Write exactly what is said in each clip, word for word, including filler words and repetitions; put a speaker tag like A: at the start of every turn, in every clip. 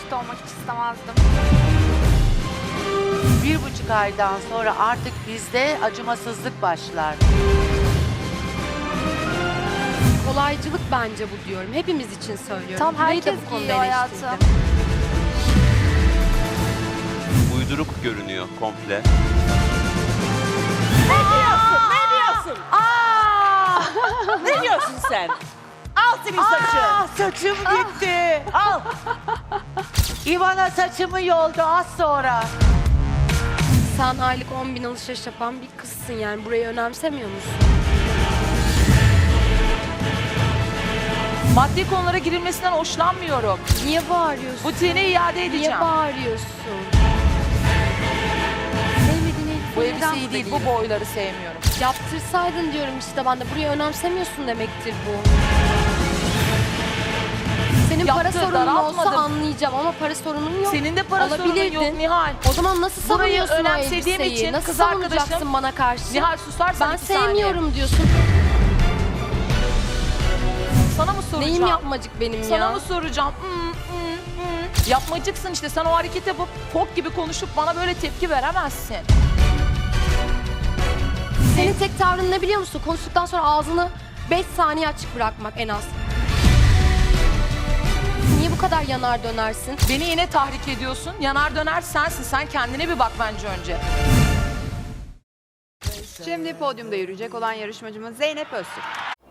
A: birlikte olmak hiç istemezdim.
B: Bir buçuk aydan sonra artık bizde acımasızlık başlar.
C: Kolaycılık bence bu diyorum. Hepimiz için söylüyorum.
A: Tam
C: Burayı da
A: herkes
C: bu konuda
A: giyiyor hayatım.
C: eleştirdim.
D: Uyduruk görünüyor komple.
E: Ne diyorsun? Ne diyorsun? Aa! Ne diyorsun sen? Al senin saçı.
B: Aa, saçım gitti.
E: Al.
B: İvana saçımı yoldu az sonra.
C: Sen aylık on bin alışveriş yapan bir kızsın yani. Burayı önemsemiyor musun?
F: Maddi konulara girilmesinden hoşlanmıyorum.
C: Niye bağırıyorsun?
F: Butiğine iade edeceğim.
C: Niye bağırıyorsun? Sevmediğin
F: Bu
C: elbiseyi
F: elbise iyi değil, bu boyları sevmiyorum.
C: Yaptırsaydın diyorum işte ben de. Burayı önemsemiyorsun demektir bu. Senin para
F: Yaptır,
C: sorunun olsa
F: daraltmadım.
C: anlayacağım ama para sorunun yok.
F: Senin de para sorunun yok
C: Alabilirdin.
F: Nihal.
C: O zaman nasıl
F: Burayı
C: savunuyorsun o
F: önemsediğim
C: elbiseyi?
F: için
C: Nasıl
F: kız
C: savunacaksın
F: arkadaşım-
C: bana karşı?
F: Nihal susarsan
C: Ben
F: iki saniye.
C: sevmiyorum diyorsun.
F: Sana mı soracağım?
C: Neyim yapmacık benim
F: Sana
C: ya?
F: mı soracağım? Hmm, hmm, hmm. Yapmacıksın işte. Sen o hareket yapıp fok gibi konuşup bana böyle tepki veremezsin.
C: Senin tek tavrın ne biliyor musun? Konuştuktan sonra ağzını beş saniye açık bırakmak en az. Niye bu kadar yanar dönersin?
F: Beni yine tahrik ediyorsun. Yanar döner sensin. Sen kendine bir bak bence önce.
G: Şimdi podyumda yürüyecek olan yarışmacımız Zeynep Öztürk.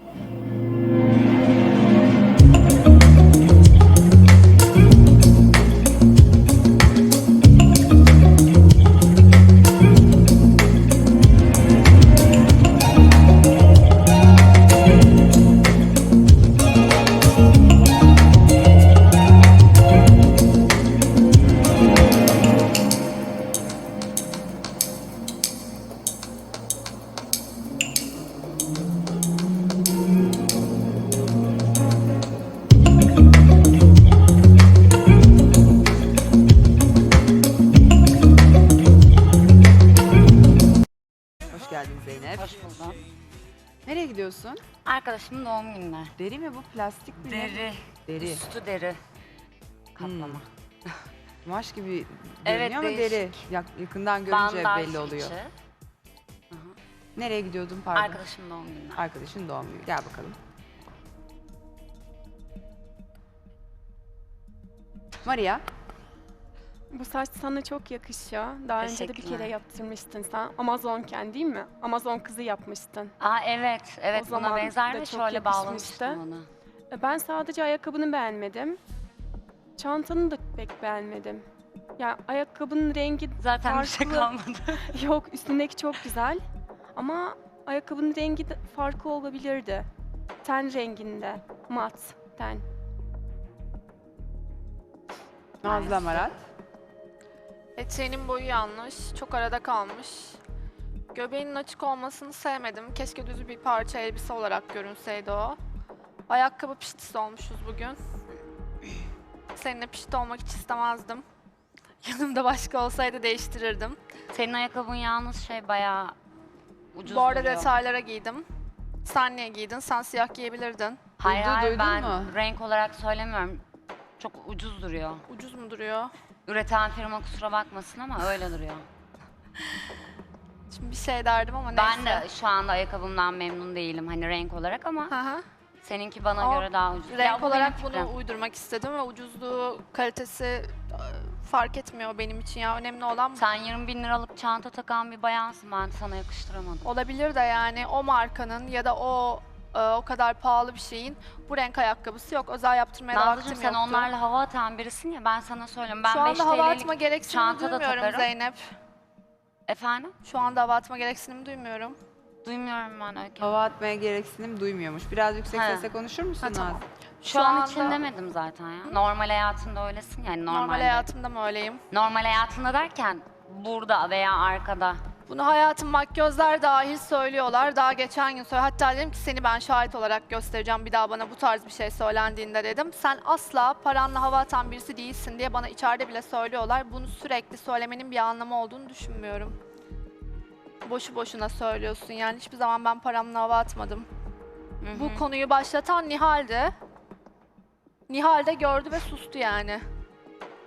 G: Hoş geldin Zeynep.
H: Hoş buldum.
G: Nereye gidiyorsun?
H: Arkadaşımın doğum gününe.
G: Deri mi bu, plastik mi?
H: Deri.
G: Deri.
H: Üstü deri. Kaplama.
G: Kumaş gibi
H: Evet,
G: görünüyor ama
H: değişik.
G: deri. Yak- yakından görünce
H: Bandaj
G: belli oluyor.
H: içi.
G: Nereye gidiyordun pardon?
H: Arkadaşımın doğum gününe.
G: Arkadaşın doğum günü. Gel bakalım. Maria.
I: Bu saç sana çok yakışıyor. Daha önce de bir
H: Teşekkürler.
I: kere yaptırmıştın sen. Amazonken değil mi? Amazon kızı yapmıştın.
H: Aa evet, evet
I: O
H: buna
I: zaman
H: benzer
I: da
H: ve
I: çok
H: şöyle
I: yakışmıştı.
H: bağlamıştım onu.
I: E, Ben sadece ayakkabını beğenmedim. Çantanı da pek beğenmedim. Ya ayakkabının rengi
H: Zaten bir şey
I: farklı.
H: kalmadı.
I: Yok, üstündeki çok güzel. Ama ayakkabının rengi de farklı olabilirdi. Ten renginde. Mat ten.
G: Nazlı Amarat.
A: Eteğinin boyu yanlış, çok arada kalmış. Göbeğinin açık olmasını sevmedim. Keşke düz bir parça elbise olarak görünseydi o. Ayakkabı piştisi olmuşuz bugün. Seninle pişti olmak hiç istemezdim. Yanımda başka olsaydı değiştirirdim.
H: Senin ayakkabın yalnız şey bayağı ucuz
A: Bu arada
H: duruyor.
A: detaylara giydim. Sen niye giydin? Sen siyah giyebilirdin.
H: Hayır
G: Duydu-
H: hayır
G: duydun
H: ben
G: mu?
H: renk olarak söylemiyorum. Çok ucuz duruyor.
A: Ucuz mu duruyor?
H: Üreten firma kusura bakmasın ama öyle duruyor.
A: Şimdi bir şey derdim ama
H: Ben
A: neyse.
H: de şu anda ayakkabımdan memnun değilim hani renk olarak ama
A: Hı hı.
H: seninki bana
A: Ama
H: göre daha ucuz. Ya
A: Renk
H: bu benim
A: olarak
H: fikrim.
A: bunu uydurmak istedim ve ucuzluğu, kalitesi e, fark etmiyor benim için ya. Önemli olan
H: Sen yirmi bin liralık çanta takan bir bayansın, ben sana yakıştıramadım.
A: olabilir de yani o markanın ya da o e, o kadar pahalı bir şeyin bu renk ayakkabısı yok. Özel yaptırmaya da
H: Nazlıcığım
A: vaktim
H: sen
A: yoktu.
H: onlarla hava atan birisin ya, ben sana söyleyeyim. Ben
A: Şu
H: beş
A: anda hava
H: TL'lik
A: atma gereksinimi
H: çanta da
A: duymuyorum
H: takarım.
A: Zeynep.
H: Efendim?
A: Şu anda hava atma gereksinimi duymuyorum.
H: Duymuyorum ben Öykü.
G: Hava atmaya gereksinim duymuyormuş. Biraz yüksek
H: He.
G: sesle konuşur musun
A: Ha, tamam.
G: Nazlı?
H: Şu,
A: Şu
H: an
A: anda-
H: için demedim zaten ya. Normal hayatında öylesin yani normalde.
A: Normal hayatımda mı öyleyim?
H: Normal hayatında derken burada veya arkada.
A: Bunu hayatım makyözler dahil söylüyorlar. Daha geçen gün söyle. Hatta dedim ki seni ben şahit olarak göstereceğim bir daha bana bu tarz bir şey söylendiğinde dedim. Sen asla paranla hava atan birisi değilsin diye bana içeride bile söylüyorlar. Bunu sürekli söylemenin bir anlamı olduğunu düşünmüyorum. Boşu boşuna söylüyorsun yani. Hiçbir zaman ben paramla hava atmadım.
H: Hı hı.
A: Bu konuyu başlatan Nihal'di. Nihal de gördü ve sustu yani.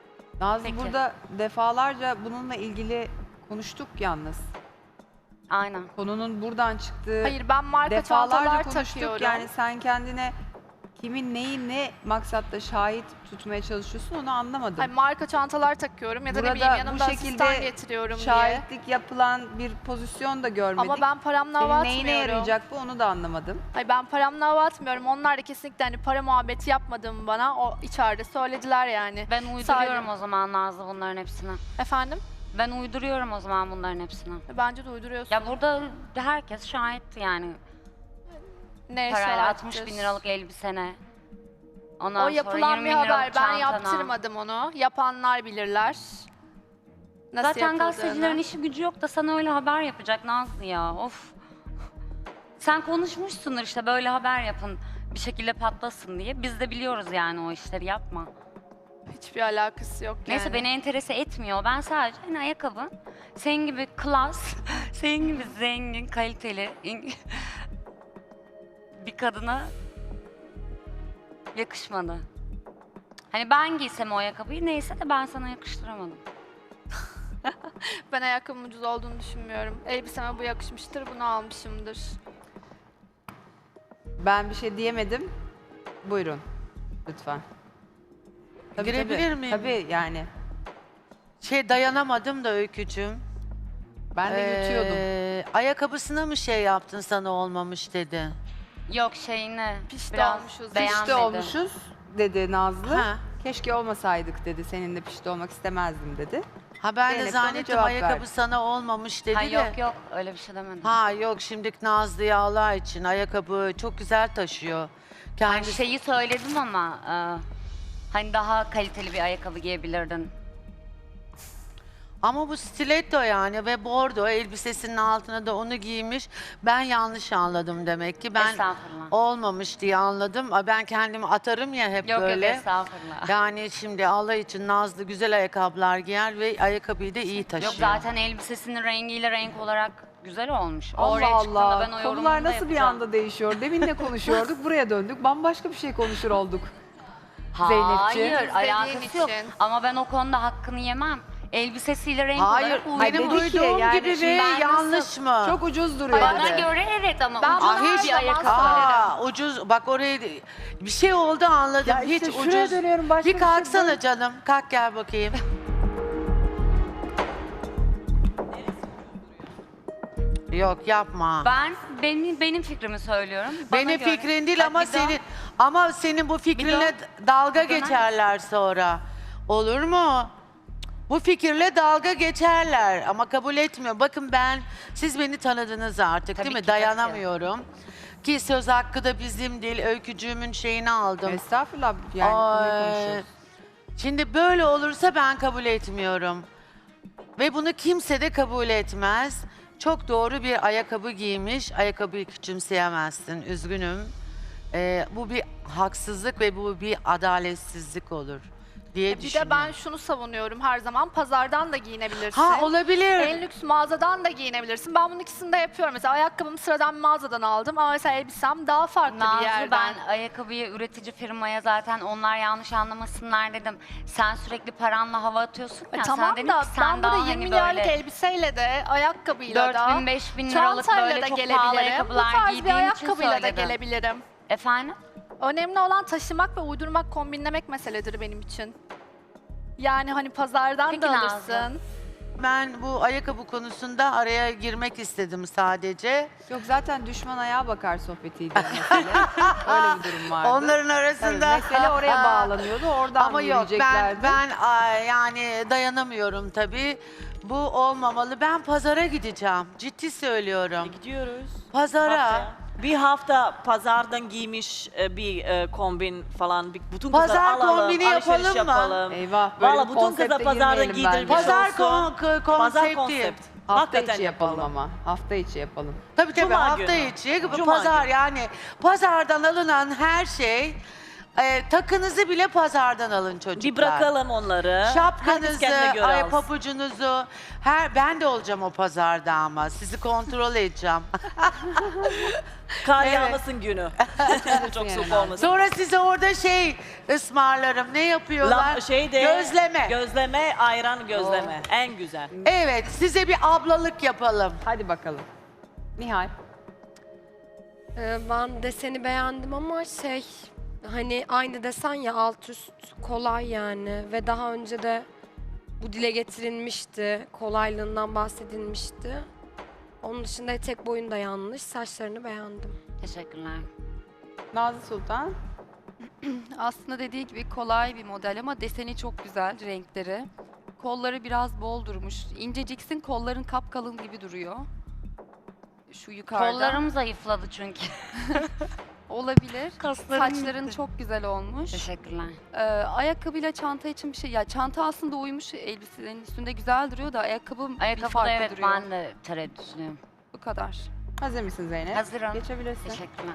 G: Nazlı
H: Peki.
G: burada defalarca bununla ilgili konuştuk yalnız.
H: Aynen.
G: Konunun buradan çıktığı
A: Hayır ben marka
G: defalarca
A: çantalar
G: konuştuk.
A: takıyorum.
G: Yani sen kendine kimin neyi ne maksatta şahit tutmaya çalışıyorsun onu anlamadım.
A: Hayır, marka çantalar takıyorum ya da ne
G: Burada
A: bileyim
G: bu
A: yanımda
G: şekilde
A: asistan getiriyorum diye.
G: Şahitlik yapılan bir pozisyon da görmedik.
A: Ama ben paramla hava
G: Senin neyine
A: atmıyorum.
G: yarayacak bu onu da anlamadım.
A: Hayır ben paramla hava atmıyorum. Onlar da kesinlikle hani para muhabbeti yapmadığımı bana o içeride söylediler yani.
H: Ben uyduruyorum
A: Sadece-
H: o zaman Nazlı bunların hepsini.
A: Efendim?
H: Ben uyduruyorum o zaman bunların hepsini.
A: Bence de uyduruyorsun.
H: Ya burada herkes şahitti yani.
A: Neye
H: Parayla
A: şahittir?
H: altmış bin liralık elbisene. Ondan
A: O
H: sonra
A: yapılan
H: yirmi
A: bir
H: bin
A: haber.
H: liralık
A: Ben
H: çantana.
A: yaptırmadım onu. Yapanlar bilirler. Nasıl
H: Zaten
A: yapıldığını.
H: gazetecilerin işi gücü yok da sana öyle haber yapacak Nazlı ya. Of. Sen konuşmuşsundur işte böyle haber yapın bir şekilde patlasın diye. Biz de biliyoruz yani o işleri yapma.
A: Hiçbir alakası yok yani.
H: Neyse beni enterese etmiyor. Ben sadece hani ayakkabın senin gibi klas, senin gibi zengin, kaliteli bir kadına yakışmadı. Hani ben giysem o ayakkabıyı neyse de ben sana yakıştıramadım.
A: Ben ayakkabımın ucuz olduğunu düşünmüyorum. Elbiseme bu yakışmıştır, bunu almışımdır.
G: Ben bir şey diyemedim. Buyurun. Lütfen. Tabii,
B: Girebilir
G: tabii.
B: miyim?
G: Tabii yani.
B: Şey dayanamadım da Öykücüğüm.
G: Ben de yutuyordum.
B: Ee, ayakkabısına mı şey yaptın sana olmamış dedi.
H: Yok şeyine
A: Pişti
H: biraz
A: olmuşuz.
H: beğenmedi.
G: Pişti olmuşuz dedi Nazlı.
B: Ha.
G: Keşke olmasaydık dedi. Seninle pişti olmak istemezdim dedi.
B: Ha ben de
G: Zeynep de ona
B: zannettim
G: cevap
B: ayakkabı
G: verdi.
B: sana olmamış dedi
H: Ha,
B: de.
H: yok yok öyle bir şey demedim.
B: Ha yok şimdi Nazlı'ya Allah için ayakkabı çok güzel taşıyor.
H: Ben
B: Kendisi
H: şeyi söyledim ama e, hani daha kaliteli bir ayakkabı giyebilirdin.
B: ama bu stiletto yani ve bordo elbisesinin altına da onu giymiş. Ben yanlış anladım demek ki. Ben
H: Estağfurullah.
B: olmamış diye anladım. Aa, ben kendimi atarım ya hep
H: Yok
B: böyle.
H: yok estağfurullah.
B: Yani şimdi Allah için Nazlı güzel ayakkabılar giyer ve ayakkabıyı da iyi taşıyor.
H: Yok zaten elbisesinin rengiyle renk olarak güzel olmuş.
G: Allah
H: Oraya çıktığında
G: Allah.
H: ben o yorumumu
G: Konular
H: da
G: nasıl bir
H: yapacağım.
G: anda değişiyor? Demin ne konuşuyorduk? Buraya döndük. Bambaşka bir şey konuşur olduk.
H: Hayır
G: Zeynepciğim.
H: alakası yok.
A: için.
H: Ama ben o konuda hakkını yemem. Elbisesiyle renk
B: Hayır,
H: olarak uyumlu.
G: Hayır,
B: benim
G: dedi ki
B: duyduğum
G: yani
B: gibi
G: şimdi
B: mi
H: ben
B: yanlış
H: nasıl-
B: mı?
G: Çok ucuz duruyor.
H: Bana
G: dedi.
H: göre evet ama
A: Ben
H: ucuz
A: bunu her
H: bir
A: zaman
H: ayakkabı.
B: Aa, ucuz. Bak oraya bir şey oldu anladım.
G: Ya işte
B: Hiç
G: şuraya
B: ucuz.
G: dönüyorum, başka
B: Bir
G: bir şey
B: kalksana canım. Kalk gel bakayım. Yok yapma.
H: Ben benim benim fikrimi söylüyorum. Bana
B: Benim
H: göre-
B: fikrin değil
H: Bak,
B: ama
H: bir daha-
B: senin ama senin bu fikrinle dalga
H: Bir döner
B: geçerler sonra. Olur mu? Bu fikirle dalga geçerler ama kabul etmiyor. Bakın ben, siz beni tanıdınız artık
H: Tabii
B: değil mi?
H: ki, tabii ki.
B: Dayanamıyorum. Ki söz hakkı da bizim değil, öykücüğümün şeyini aldım.
G: Estağfurullah yani konuyu
B: Ay,
G: konuşuyoruz.
B: Şimdi böyle olursa ben kabul etmiyorum. Ve bunu kimse de kabul etmez. Çok doğru bir ayakkabı giymiş. Ayakkabıyı küçümseyemezsin. Üzgünüm. Ee, bu bir haksızlık ve bu bir adaletsizlik olur diye
A: Bir
B: düşünüyorum.
A: de ben şunu savunuyorum her zaman. Pazardan da giyinebilirsin.
B: Ha olabilir.
A: En lüks mağazadan da giyinebilirsin. Ben bunun ikisini de yapıyorum. Mesela ayakkabımı sıradan bir mağazadan aldım ama mesela elbisem daha farklı bir
H: Nazlı
A: yerden.
H: ben ayakkabıyı üretici firmaya zaten onlar yanlış anlamasınlar dedim. Sen sürekli paranla hava atıyorsun ya.
A: E tamam
H: sen dedin
A: da
H: ki sen
A: ben
H: daha
A: burada
H: hani
A: yirmi milyarlık
H: böyle
A: elbiseyle de ayakkabıyla
H: dört
A: da
H: bin beş bin liralık
A: çantayla
H: böyle
A: da
H: çok pahalı
A: gelebilirim. Bu
H: ayakkabılar
A: tarz bir
H: giydiğin için
A: ayakkabıyla da
H: söyledim.
A: gelebilirim.
H: Efendim?
A: Önemli olan taşımak ve uydurmak, kombinlemek meseledir benim için. Yani hani pazardan
H: Peki
A: da
H: Nazlı.
A: alırsın.
B: Ben bu ayakkabı konusunda araya girmek istedim sadece.
G: Yok zaten düşman ayağa bakar sohbetiydi mesele. Öyle bir durum vardı.
B: Onların
G: Tabii,
B: arasında
G: mesele oraya bağlanıyordu. Oradan
B: ama yok ben
G: yürüyeceklerdi.
B: ben ay, yani dayanamıyorum tabii. Bu olmamalı. Ben pazara gideceğim. Ciddi söylüyorum.
E: Gidiyoruz.
B: Pazara.
E: Haftaya. Bir hafta pazardan giymiş e, bir e, kombin falan. Bir, bütün kızlar
B: Pazar
E: alalım,
B: kombini
E: alışveriş
B: yapalım mı?
E: yapalım.
G: Eyvah böyle
E: Valla
G: bir
E: bütün
G: konsepte
E: kızlar pazardan
G: girmeyelim bence.
E: giydirmiş
B: Pazar
E: olsun.
B: kon- k-
E: Pazar
B: konsepti.
E: konsept.
G: Hafta
E: Hakikaten
G: içi yapalım
E: yapalım.
G: ama. Hafta içi yapalım.
B: Tabii tabii
E: Cuma
B: hafta
E: günü.
B: içi
E: Cuma
B: pazar
E: günü.
B: yani pazardan alınan her şey Ee, takınızı bile pazardan alın çocuklar.
E: Bir bırakalım onları. Herkes
B: Şapkanızı,
E: kendine göre
B: ay
E: alsın.
B: papucunuzu. Her ben de olacağım o pazarda ama sizi kontrol edeceğim.
E: Kar
B: Evet.
E: yağmasın günü. Çok soğuk olmasın.
B: Sonra size orada şey ısmarlarım. Ne yapıyorlar?
E: La, şey de,
B: Gözleme.
E: Gözleme, ayran gözleme. En güzel.
B: Evet, size bir ablalık yapalım.
G: Hadi bakalım. Nihal.
C: Ee, ben deseni beğendim ama şey hani aynı desen ya alt üst kolay yani ve daha önce de bu dile getirilmişti. Kolaylığından bahsedilmişti. Onun dışında etek boyun da yanlış. Saçlarını beğendim.
H: Teşekkürler.
G: Nazlı Sultan.
J: Aslında dediği gibi kolay bir model ama deseni çok güzel, renkleri. Kolları biraz bol durmuş. İnceciksin, kolların kapkalın gibi duruyor. Şu yukarıda.
H: Kollarım zayıfladı çünkü.
J: Olabilir.
H: Kaslarım
J: Saçların
H: gitti.
J: çok güzel olmuş.
H: Teşekkürler.
J: Ee, ayakkabıyla çanta için bir şey. Ya çanta aslında uymuş, elbisenin üstünde güzel duruyor da ayakkabı bir
H: Ayakkabıda
J: farklı
H: evet
J: duruyor.
H: ben de tereddütlüyüm.
J: Bu kadar.
G: Hazır mısın Zeynep?
H: Hazırım.
G: Geçebilirsin.
H: Teşekkürler.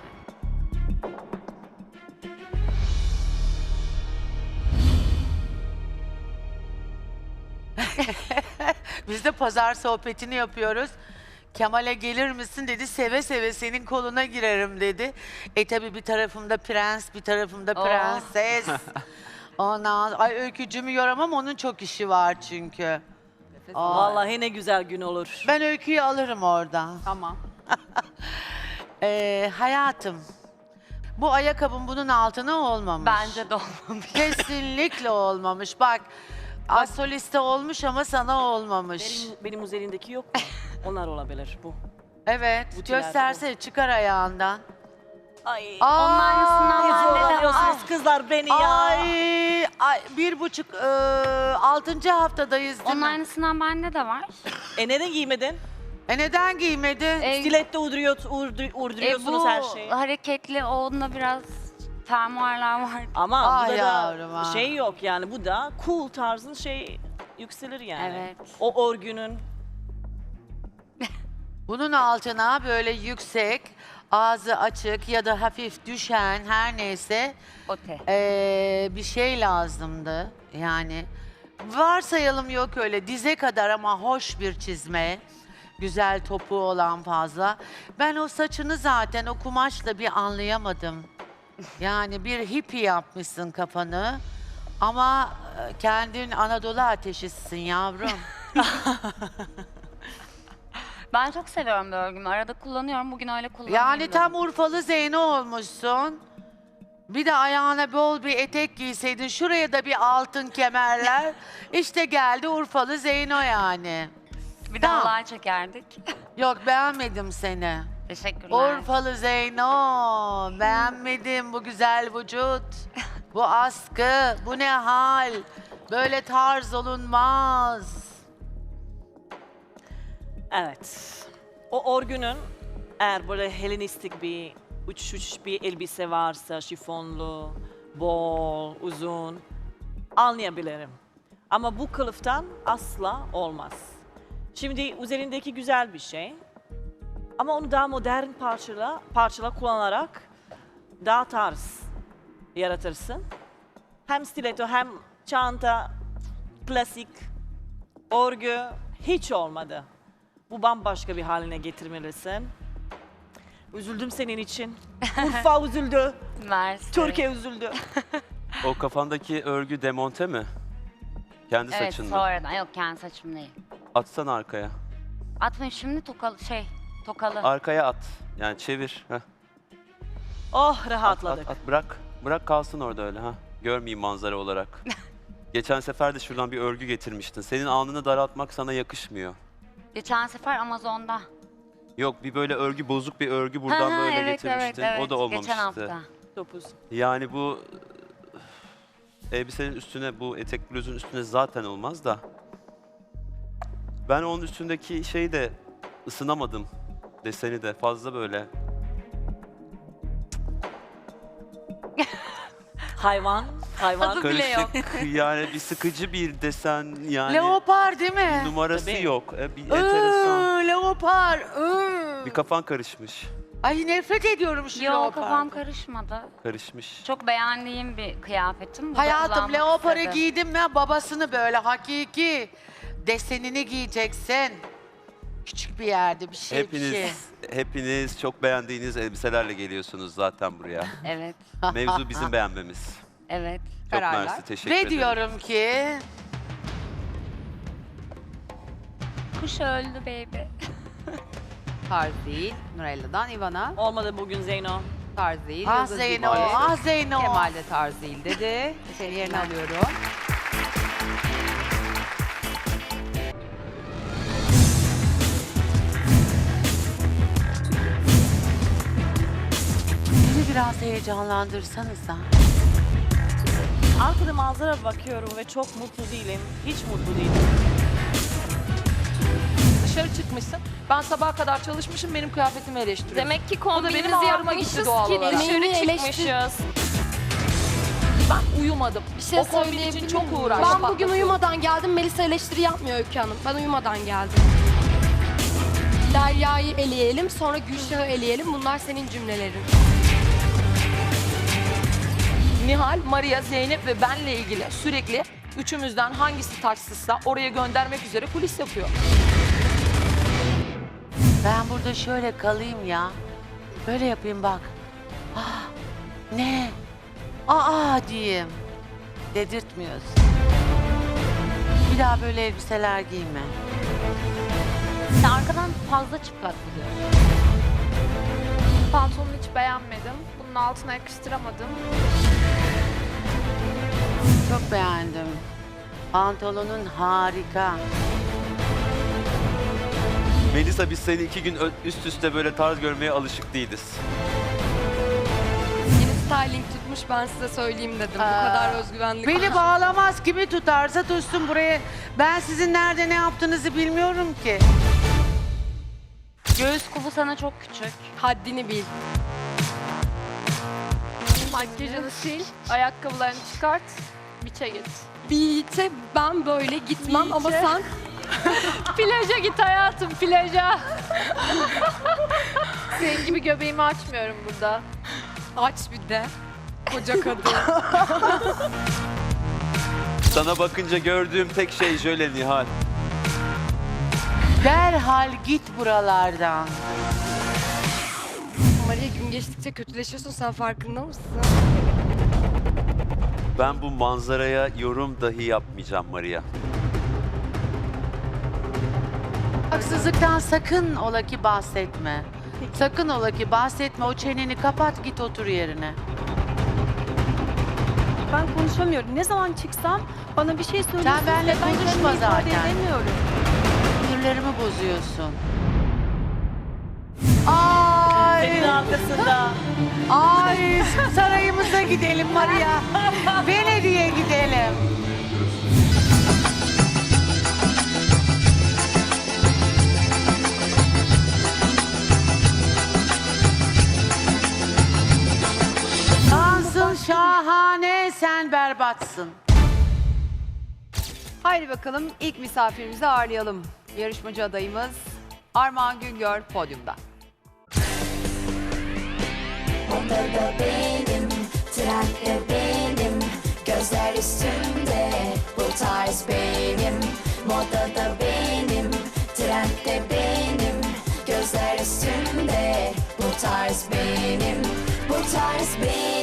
B: Biz de pazar sohbetini yapıyoruz. Kemal'e gelir misin dedi. Seve seve senin koluna girerim dedi. E tabi bir tarafımda prens, bir tarafımda
H: Oh.
B: prenses. Ondan, ay öykücümü yoramam, onun çok işi var çünkü. Aa,
E: Vallahi ne güzel gün olur.
B: ben öyküyü alırım oradan.
G: Tamam.
B: Ee, hayatım, bu ayakkabın bunun altına olmamış.
H: Bence de olmamış.
B: Kesinlikle olmamış. Bak, asoliste olmuş ama sana olmamış.
E: Benim, benim üzerindeki yok mu? Onlar olabilir bu.
B: Evet,
E: Butilerde
B: göstersene, çıkar ayağından.
E: Ay.
B: Aa,
H: Onun aynısından
E: Ne
H: bende de var.
E: zorlanıyorsunuz kızlar beni ya.
B: Ay, ay, bir buçuk, e, altıncı haftadayız değil
H: Onun
B: mi?
H: aynısından bende de var.
E: E neden giymedin?
B: E neden giymedi?
H: E,
E: Stilette uyduruyor, uydur-
H: e,
E: uyduruyorsunuz
H: bu
E: her şeyi.
H: hareketli onunla biraz fermuarlar var.
E: Ama
B: Ah
E: bu da,
B: yavrum,
E: da
B: ah.
E: şey yok yani bu da cool tarzın şey yükselir yani.
H: Evet.
E: O örgünün.
B: Bunun altına böyle yüksek, ağzı açık ya da hafif düşen her neyse
H: Ote.
B: e, bir şey lazımdı. Yani varsayalım yok öyle dize kadar ama hoş bir çizme. Güzel topuğu olan fazla. Ben o saçını zaten o kumaşla bir anlayamadım. Yani bir hippie yapmışsın kafanı. Ama e, kendin Anadolu ateşisin yavrum.
H: Ben çok seviyorum bu örgümü. Arada kullanıyorum. Bugün öyle kullanıyorum.
B: Yani tam Urfalı Zeyno olmuşsun. Bir de ayağına bol bir etek giyseydin, şuraya da bir altın kemerler. İşte geldi Urfalı Zeyno yani.
H: Bir de
B: Tamam.
H: halay çekerdik.
B: Yok, beğenmedim seni.
H: Teşekkürler.
B: Urfalı Zeyno, beğenmedim bu güzel vücut. Bu askı, bu ne hal? Böyle tarz olunmaz.
E: Evet. O örgünün eğer böyle Helenistik bir uç uç bir elbise varsa şifonlu, bol, uzun anlayabilirim. Ama bu kılıftan asla olmaz. Şimdi üzerindeki güzel bir şey. Ama onu daha modern parçala, parçala kullanarak daha tarz yaratırsın. Hem stiletto hem çanta, klasik, örgü hiç olmadı. Bu bambaşka bir haline getirmelisin. Üzüldüm senin için. Urfa üzüldü.
H: Mersi.
E: Türkiye üzüldü.
D: O kafandaki örgü demonte mi? Kendi
H: Evet
D: saçın mı?
H: sonradan. Yok kendi saçım değil.
D: Atsana arkaya.
H: Atmayın şimdi tokalı şey tokalı.
D: Arkaya at. Yani çevir. Heh.
E: Oh
D: At,
E: rahatladık.
D: at, at. Bırak. Bırak kalsın orada öyle. Ha. Görmeyeyim manzara olarak. Geçen sefer de şuradan bir örgü getirmiştin. Senin alnını daraltmak sana yakışmıyor.
H: Geçen sefer Amazon'da.
D: Yok, bir böyle örgü, bozuk bir örgü buradan
H: Ha, ha,
D: böyle
H: evet,
D: getirmiştin.
H: evet, evet.
D: O da olmamıştı.
H: Geçen hafta.
E: Topuz.
D: Yani bu elbisenin üstüne, bu etek bluzun üstüne zaten olmaz da. Ben onun üstündeki şeyi de ısınamadım. Deseni de fazla böyle.
E: Hayvan, hayvan.
H: Adı bile yok.
D: Karışık yani bir sıkıcı bir desen yani.
B: Leopar değil mi?
D: Numarası
E: Tabii.
D: yok. E, bir enteresan.
B: Iıı, leopar. ıı.
D: Bir kafan karışmış.
B: Ay nefret ediyorum şu
H: Yok
B: leopardan.
H: kafam karışmadı.
D: Karışmış.
H: Çok beğendiğim bir kıyafetim. Burada
B: Hayatım
H: kullanmak
B: leoparı
H: istedim.
B: giydim ya babasını böyle hakiki desenini giyeceksin. Küçük bir yerde bir şey bir şey.
D: Hepiniz, hepiniz çok beğendiğiniz elbiselerle geliyorsunuz zaten buraya.
H: Evet,
D: Mevzu bizim beğenmemiz.
H: evet.
D: Çok
G: Kararlar.
D: mersi, teşekkür
B: Ve
D: ederim.
B: diyorum ki
H: Kuş öldü baby.
G: Tarz değil. Nurella'dan Ivana.
E: Olmadı bugün Zeyno.
G: Tarz değil.
B: ah
G: Yıldız
B: Zeyno,
G: gibi.
B: ah Zeyno.
G: Kemal de tarz değil dedi. Seni yerine alıyorum.
B: Beni biraz heyecanlandırsanıza.
E: Arkada manzara bakıyorum ve çok mutlu değilim. Hiç mutlu değilim.
F: Dışarı çıkmışsın. Ben sabaha kadar çalışmışım, benim kıyafetimi eleştiriyorsun.
C: Demek ki
F: O da benim
C: kombinimizi
F: ağrıma gitti
C: yapmışız
F: doğal
C: ki
F: olarak.
C: dışarı
E: Eleştir-
C: çıkmışız.
F: Ben uyumadım.
C: Bir şey
F: o kombin için
C: söyleyebilir
F: çok
C: miyim?
F: uğraştım.
C: Ben bugün uyumadan geldim. Melisa eleştiri yapmıyor Öykü Hanım. Ben uyumadan geldim. Derya'yı eleyelim, sonra Gülşah'ı eleyelim. Bunlar senin cümlelerin.
F: Nihal, Maria, Zeynep ve benle ilgili sürekli üçümüzden hangisi taçsızsa oraya göndermek üzere kulis yapıyor.
B: Ben burada şöyle kalayım ya. Böyle yapayım bak. Ah, ne? Aa diyeyim. Dedirtmiyorsun. Bir daha böyle elbiseler giyme.
H: Sen arkadan fazla çıplak gidiyorsun.
A: Pantolonu hiç beğenmedim. Bunun altına yakıştıramadım.
B: Çok beğendim. Pantolonun harika.
D: Melisa, biz seni iki gün ö- üst üste böyle tarz görmeye alışık değiliz.
C: Yeni styling tutmuş, ben size söyleyeyim dedim.
B: Aa,
C: Bu kadar özgüvenli.
B: Beni bağlamaz. Kimi tutarsa tutsun buraya. Ben sizin nerede ne yaptığınızı bilmiyorum ki.
H: Göğüs kubu sana çok küçük.
C: Haddini bil.
A: Makyajını sil, ayakkabılarını çıkart, biçe git.
C: Beach'e ben böyle gitmem ama
A: Beach'e.
C: sen
A: Plaja git hayatım, plaja. Senin gibi göbeğimi açmıyorum burada.
C: aç bir de. Koca kadın.
D: Sana bakınca gördüğüm tek şey jöle Nihal.
B: Derhal git buralardan.
C: Maria, gün geçtikçe kötüleşiyorsun, sen farkında mısın?
D: Ben bu manzaraya yorum dahi yapmayacağım Maria.
B: Haksızlıktan sakın ola ki bahsetme. Sakın ola ki bahsetme. O çeneni kapat, git otur yerine.
I: Ben konuşamıyorum. Ne zaman çıksam bana bir şey söylüyorsun.
B: Sen benimle
I: ve ben
B: konuşma
I: kendimi ifade
B: zaten.
I: edemiyorum.
B: Sinirlerimi bozuyorsun. Ay,
E: Senin arkasında.
B: ay sarayımıza gidelim Maria. Venedik'e gidelim. Dansın şahane, sen berbatsın.
G: Haydi bakalım ilk misafirimizi ağırlayalım. Yarışmacı adayımız Armağan Güngör podyumda.
K: Odada benim, trende benim, gözler üstümde, bu tarz benim. Modada benim, trende benim, gözler üstümde, bu tarz benim, bu tarz benim.